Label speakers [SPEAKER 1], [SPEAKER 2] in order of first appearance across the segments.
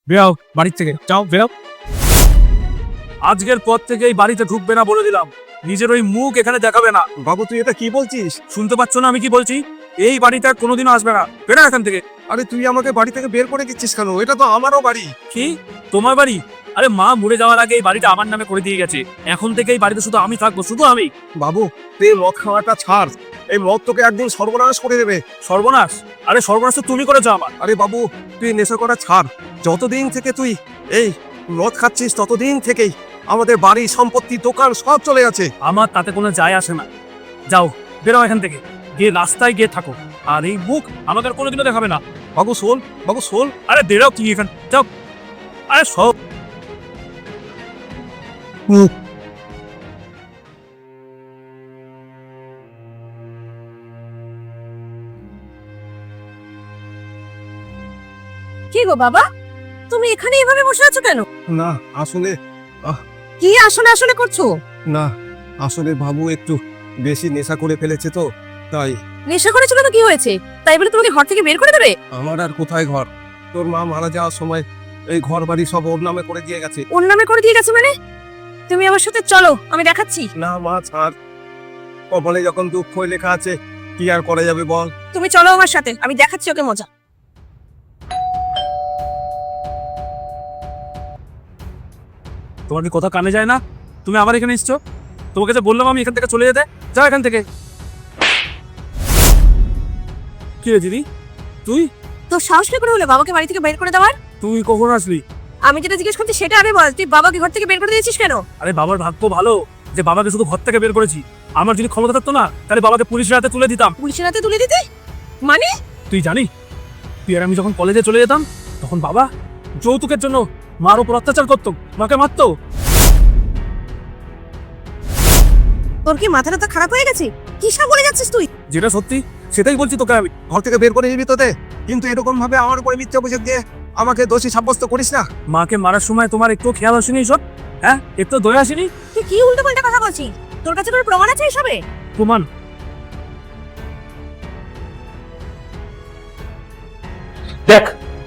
[SPEAKER 1] বেরাও বাড়ির থেকে, যাও বেরাও। আজকের পর থেকে এই বাড়িতে ঢুকবে না বলে দিলাম। নিজের ওই মুখ এখানে দেখাবে না।
[SPEAKER 2] বাবু তুই এটা কি বলছিস?
[SPEAKER 1] শুনতে পাচ্ছ না আমি কি বলছি? এই বাড়িতে আর কোনোদিনও আসবে না, বেরা এখান থেকে।
[SPEAKER 2] আরে তুই আমাকে বাড়ি থেকে বের করে দিচ্ছিস কেন? এটা তো আমারও বাড়ি।
[SPEAKER 1] কি তোমার বাড়ি? আরে মা মরে যাওয়ার আগে এই বাড়িটা আমার নামে করে দিয়ে গেছে। এখন থেকে এই বাড়িতে শুধু আমি থাকবো, শুধু আমি।
[SPEAKER 2] বাবু তুই মদ খাওয়াটা ছাড়, এই মদ তোকে একদিন সর্বনাশ করে দেবে।
[SPEAKER 1] সর্বনাশ? আরে সর্বনাশ তো তুমি করেছো আমার।
[SPEAKER 2] আরে বাবু তুই নেশা করা ছাড়। যতদিন থেকে তুই এই মদ খাচ্ছিস ততদিন থেকেই আমাদের বাড়ি সম্পত্তি দোকান সব চলে গেছে।
[SPEAKER 1] আমার তাতে কোনো যায় আসে না। যাও বেরো এখান থেকে, গিয়ে রাস্তায় গিয়ে থাকো। আর এই মুখ আমাদের কোনোদিনও দেখাবে না।
[SPEAKER 2] বাবু শোন, বাবু শোন।
[SPEAKER 1] আরে বেরো কি এখান, যাও। আরে সব
[SPEAKER 3] কি গো বাবা, তুমি এখানে এভাবে বসে আছো কেন?
[SPEAKER 2] না আসলে
[SPEAKER 3] কি আসলে আসলে করছো?
[SPEAKER 2] না আসলে বাবু একটু বেশি নেশা করে ফেলেছে তো তাই।
[SPEAKER 3] নেশা করেছিল তো কি হয়েছে? তাই বলে তোমাকে ঘর থেকে বের করে দেবে?
[SPEAKER 2] আমার আর কোথায় ঘর? তোর মা মারা যাওয়ার সময় এই ঘর বাড়ি সব ওর নামে করে দিয়ে গেছে।
[SPEAKER 3] ওর নামে করে দিয়ে গেছে মানে? তুমি আমার সাথে চলো, আমি দেখাচ্ছি।
[SPEAKER 2] না মা ছাড়, কপালে যখন দুঃখ লেখা আছে কি আর করা যাবে বল।
[SPEAKER 3] তুমি চলো আমার সাথে, আমি দেখাচ্ছি ওকে মজা।
[SPEAKER 1] তোমার কি কথা কানে যায় না? তুমি আবার এখানে এসছো? তোমাকে যে বললাম আমি এখান থেকে চলে যেতে, যাও এখান থেকে। কি রে দিদি, তুই
[SPEAKER 3] তো সাহস কি করে হলো বাবাকে বাড়ি থেকে বের করে দেওয়ার?
[SPEAKER 1] তুই কখন আসলি?
[SPEAKER 3] আমি যেটা জিজ্ঞেস করছি সেটা আরে বল, তুই বাবাকে ঘর থেকে বের করে দিয়েছিস কেন?
[SPEAKER 1] আরে বাবার ভাগ্য ভালো যে বাবাকে শুধু ঘর থেকে বের করেছি। আমার যদি ক্ষমতা থাকতো না তাহলে বাবাকে পুলিশের হাতে তুলে দিতাম।
[SPEAKER 3] পুলিশের হাতে তুলে দিতে মানে?
[SPEAKER 1] তুই জানি, তুই আর আমি যখন কলেজে চলে যেতাম তখন বাবা যৌতুকের জন্য মার উপর অত্যাচার করতো, মাকে মারতো।
[SPEAKER 3] তোর কি মাথাটা তো খারাপ হয়ে গেছে? কি সব বলে যাচ্ছিস তুই?
[SPEAKER 1] যেটা সত্যি সেটাই বলছি তোকে আমি।
[SPEAKER 2] ঘর থেকে বের করে নিবি তোতে, কিন্তু এরকম ভাবে আমার উপরে মিথ্যা অভিযোগ দিয়ে আমাকে দোষী সাব্যস্ত করিস না।
[SPEAKER 1] মাকে মারার সময় তোমার একটু খেয়াল আসেনি সব? হ্যাঁ, একটু দয়া আসেনি?
[SPEAKER 3] তুই কি উল্টোপাল্টা কথা বলছিস? তোর কাছে কোনো প্রমাণ আছে এসবে?
[SPEAKER 1] প্রমাণ? দেখ,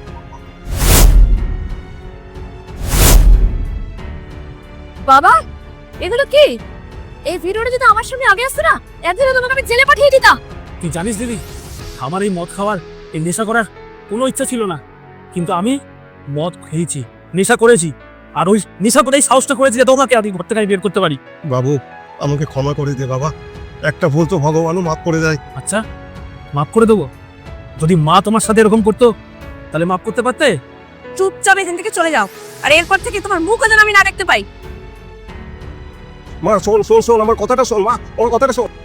[SPEAKER 3] বাবা এগুলো কি? এই ভিডিওটা যদি আমার সামনে আগে আসতো না, একদিনে তোমাকে আমি জেলে পাঠিয়ে দিতাম।
[SPEAKER 1] তুই জানিস দিদি, আমার এই মদ খাওয়ার, এই নেশা করার কোনো ইচ্ছা ছিল না, কিন্তু আমি মদ খেয়েছি, নেশা করেছি, আর ওই নেশা করেই সাহসটা করেছি যে তোমাকে আমি ঘর থেকে বের করতে পারি।
[SPEAKER 2] বাবু আমাকে ক্ষমা করে দে বাবা, একটা ভুল তো ভগবানও মাফ করে দেয়।
[SPEAKER 1] আচ্ছা, মাফ করে দেবো? যদি মা তোমার সাথে এরকম করতো তাহলে মাফ করতে পারতে?
[SPEAKER 3] চুপচাপ এখান থেকে চলে যাও, আর এরপর থেকে তোমার মুখও যেন আমি না দেখতে পাই।
[SPEAKER 2] মা শোন শোন শোন, আমার কথাটা শোন মা, আমার কথাটা শোন।